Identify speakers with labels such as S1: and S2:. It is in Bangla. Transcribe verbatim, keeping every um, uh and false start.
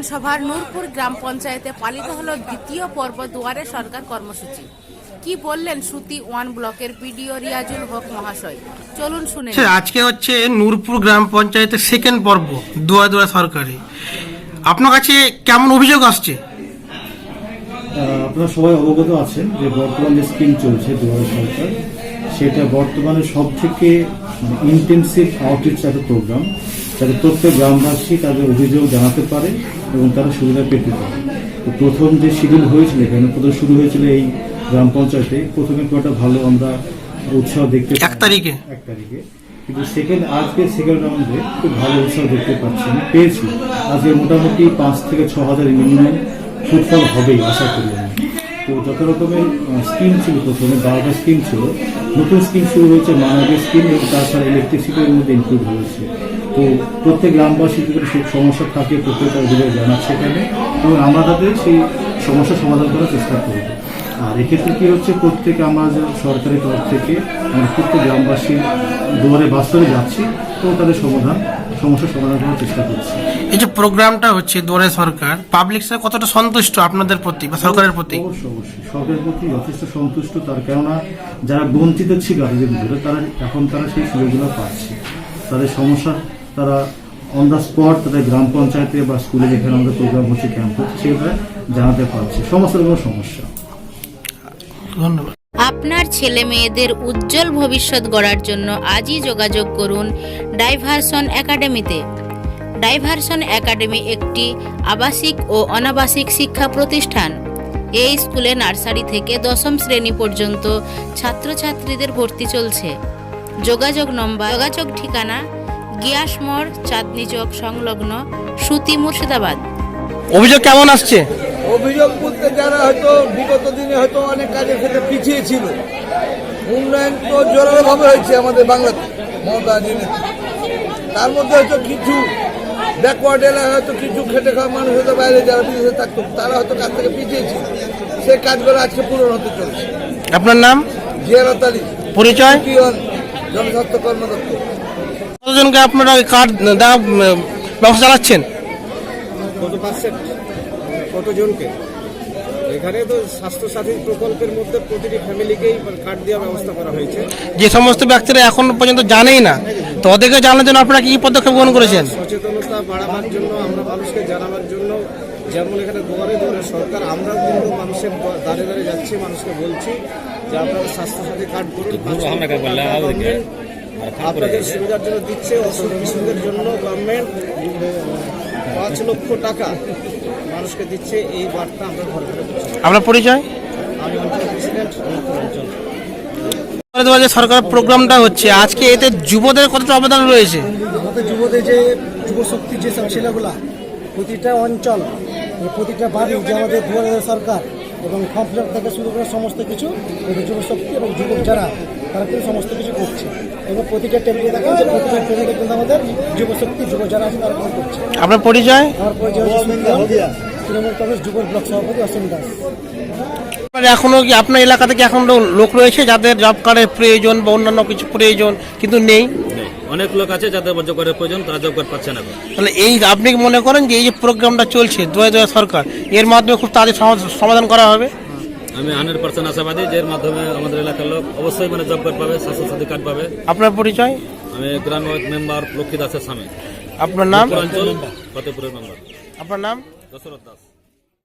S1: বিধানসভার নূরপুর গ্রাম পঞ্চায়েতে পালিত হলো দ্বিতীয় পর্ব দুয়ারে সরকার কর্মসূচি। কি বললেন সুতি ওয়ান ব্লকের পিডিও রিয়াজুল হক মহাশয়, চলুন শুনে নিন।
S2: আজকে হচ্ছে নূরপুর গ্রাম পঞ্চায়েতের সেকেন্ড পর্ব দুয়ারে দুয়ারে সরকারি। আপনার কাছে কেমন অভিযোগ আসছে?
S3: আপনারা সবাই অবগত আছেন যে বর্তমান যে স্কিম চলছে দুয়ারে সরকার, সেটা বর্তমানে সব থেকে ইন্টেন্সিভ আউটরিচ একটা প্রোগ্রাম, যাতে প্রত্যেক গ্রামবাসী তাদের অভিযোগ জানাতে পারে এবং তারা সুবিধা পেতে পারে। তো প্রথম যে শিডিউল হয়েছিল এখানে প্রথম শুরু হয়েছিল এই গ্রাম পঞ্চায়েতে, প্রথমে খুব একটা ভালো আমরা উৎসাহ দেখতে
S2: এক তারিখে
S3: এক তারিখে কিন্তু সেকেন্ড আজকে সেকেন্ড রাউন্ডে খুব ভালো উৎসাহ দেখতে পাচ্ছি, আমি পেয়েছি। আজকে মোটামুটি পাঁচ থেকে ছ হাজার মিনিমাম ফুটফল হবেই আশা করি আমি। তো যত রকমের স্কিম ছিল, প্রথমে বারোটা স্কিম ছিল, নতুন স্কিম শুরু হয়েছে মানবের স্কিম এবং তাছাড়া ইলেকট্রিসিটির মধ্যে ইনক্লুড হয়েছে। তো প্রত্যেক গ্রামবাসী যদি সেই সমস্যা থাকে প্রত্যেকটা অভিযোগ জানাচ্ছে এখানে, এবং আমরা তাদের সেই সমস্যা সমাধান করার চেষ্টা করব। আর এক্ষেত্রে কি হচ্ছে, প্রত্যেক আমরা সরকারের তরফ থেকে আমরা প্রত্যেক গ্রামবাসীর দুয়ারে বাস্তবে যাচ্ছি তো তাদের সমাধান সমস্যার সমাধান করার চেষ্টা করছি।
S2: এই যে প্রোগ্রামটা হচ্ছে দুয়ারে সরকার, পাবলিক কতটা সন্তুষ্ট আপনাদের প্রতি বা সরকারের প্রতি?
S3: অবশ্যই অবশ্যই সরকারের প্রতি যথেষ্ট সন্তুষ্ট, তার কেননা যারা বঞ্চিত ছিল এতদিন ধরে, তারা এখন তারা সেই সুযোগগুলো পাচ্ছে। তাদের সমস্যা তারা অন দ্য স্পট তাদের গ্রাম পঞ্চায়েতে বা স্কুলে যেখানে আমাদের প্রোগ্রাম হচ্ছে, ক্যাম্প হচ্ছে, সেগুলো জানাতে পারছে সমস্ত রকম সমস্যা।
S2: ধন্যবাদ।
S4: আপনার ছেলে মেয়েদের উজ্জ্বল ভবিষ্যৎ গড়ার জন্য আজই যোগাযোগ করুন ডাইভারশন একাডেমিতে। ডাইভারশন একাডেমি একটি আবাসিক ও অনাবাসিক শিক্ষা প্রতিষ্ঠান। এই স্কুলে নার্সারি থেকে দশম শ্রেণী পর্যন্ত ছাত্রছাত্রীদের ভর্তি চলছে। যোগাযোগ নম্বর, যোগাযোগ ঠিকানা গিয়াস মোড়, চাঁদনি চক সংলগ্ন, সুতি, মুর্শিদাবাদ।
S2: অভিযোগ কেমন আসছে?
S5: অভিযোগ বলতে যারা হয়তো বিগত দিনে হয়তো অনেক কাজের ক্ষেত্রে পিছিয়ে ছিল, উন্নয়ন তো জোরালোভাবে হয়েছে আমাদের বাংলাতে মমতা দিনে, তার মধ্যে হয়তো কিছু ব্যাকওয়ার্ড এলাকায় হয়তো কিছু খেটে খাওয়া মানুষ হয়তো বাইরে যারা বিদেশে থাকতো তারা হয়তো কাজ থেকে পিছিয়ে ছিল, সেই কাজগুলো আজকে পূরণ হতে চলছে।
S2: আপনার নাম?
S3: জিয়ারত আলী।
S2: পরিচয়?
S3: জনস্বাস্থ্য কর্মদপ্তর।
S2: কতজনকে আপনারা কার্ড দেওয়া ব্যবস্থা চালাচ্ছেন?
S6: কত পার্সেন্ট কতজনকে? এখানে তো স্বাস্থ্যসাথী প্রকল্পের মধ্যে প্রতিটি ফ্যামিলিকেই কার্ড দেওয়ার ব্যবস্থা করা হয়েছে।
S2: যে সমস্ত ব্যক্তিরা এখন পর্যন্ত জানেই না, তো ওদেরকে জানার জন্য আপনারা কি পদক্ষেপ গ্রহণ করেছেন?
S6: সচেতনতা বাড়াবার জন্য, আমরা মানুষকে জানাবার জন্য, যেমন এখানে দুয়ারে দুয়ারে সরকার, আমরা কিন্তু মানুষের দাঁড়ে দাঁড়ে যাচ্ছি, মানুষকে বলছি যে আপনারা স্বাস্থ্যসাথী কার্ড করুন, আপনাদের সুবিধার জন্য দিচ্ছে। অসুখ বিসুখের জন্য গভর্নমেন্ট পাঁচ লক্ষ টাকা মানুষকে দিচ্ছে, এই বার্তা আমরা ঘরে ঘরে দিচ্ছি।
S2: আপনার পরিচয়?
S6: আমি অঞ্চল প্রেসিডেন্ট অঞ্চল।
S2: সরকার প্রোগ্রামটা হচ্ছে আজকে, এতে যুবদের কতটা অবদান রয়েছে?
S7: আমাদের যুবদের যে যুবশক্তি যেসব ছেলেগুলা প্রতিটা অঞ্চল, প্রতিটা বাড়ি যে আমাদের দুয়ারে সরকার এবং ফর্ম ফিল আপ থেকে শুরু করে সমস্ত কিছু যুবশক্তি এবং যুবক যারা তারা কিন্তু সমস্ত কিছু করছে, এবং প্রতিটা টেবিলে দেখেন যে প্রতিটা ট্রেনে কিন্তু আমাদের যুবশক্তি যুব যারা আছে তারা করছে।
S2: আপনার পরিচয়?
S7: আমার পরিচয় তৃণমূল কংগ্রেস যুব ব্লক সভাপতি অসীম দাস।
S2: এখনো কি আপনার এলাকা থেকে এখন লোক রয়েছে যাদের জব কার্ডের প্রয়োজন বা অন্যান্য কিছু প্রয়োজন কিন্তু নেই?
S8: অনেক লোক আছে যাদের জব কার্ডের প্রয়োজন, তারা জব কার্ড পাচ্ছে না।
S2: তাহলে এই আপনি কি মনে করেন যে এই যে প্রোগ্রামটা চলছে দুয়ারে দুয়ারে সরকার, এর মাধ্যমে খুব তাড়াতাড়ি সমাধান করা হবে?
S8: আমি হান্ড্রেড পার্সেন্ট আশাবাদী যে এর মাধ্যমে আমাদের এলাকার লোক অবশ্যই মানে জব কার্ড পাবে, স্বাস্থ্যসাথী কার্ড পাবে।
S2: আপনার পরিচয়?
S8: আমি গ্রাম মেম্বার লক্ষ্মী দাসের স্বামী।
S2: আপনার নাম?
S8: অঞ্চল ফতেপুরের মেম্বার।
S2: আপনার নাম?
S8: দশরথ দাস।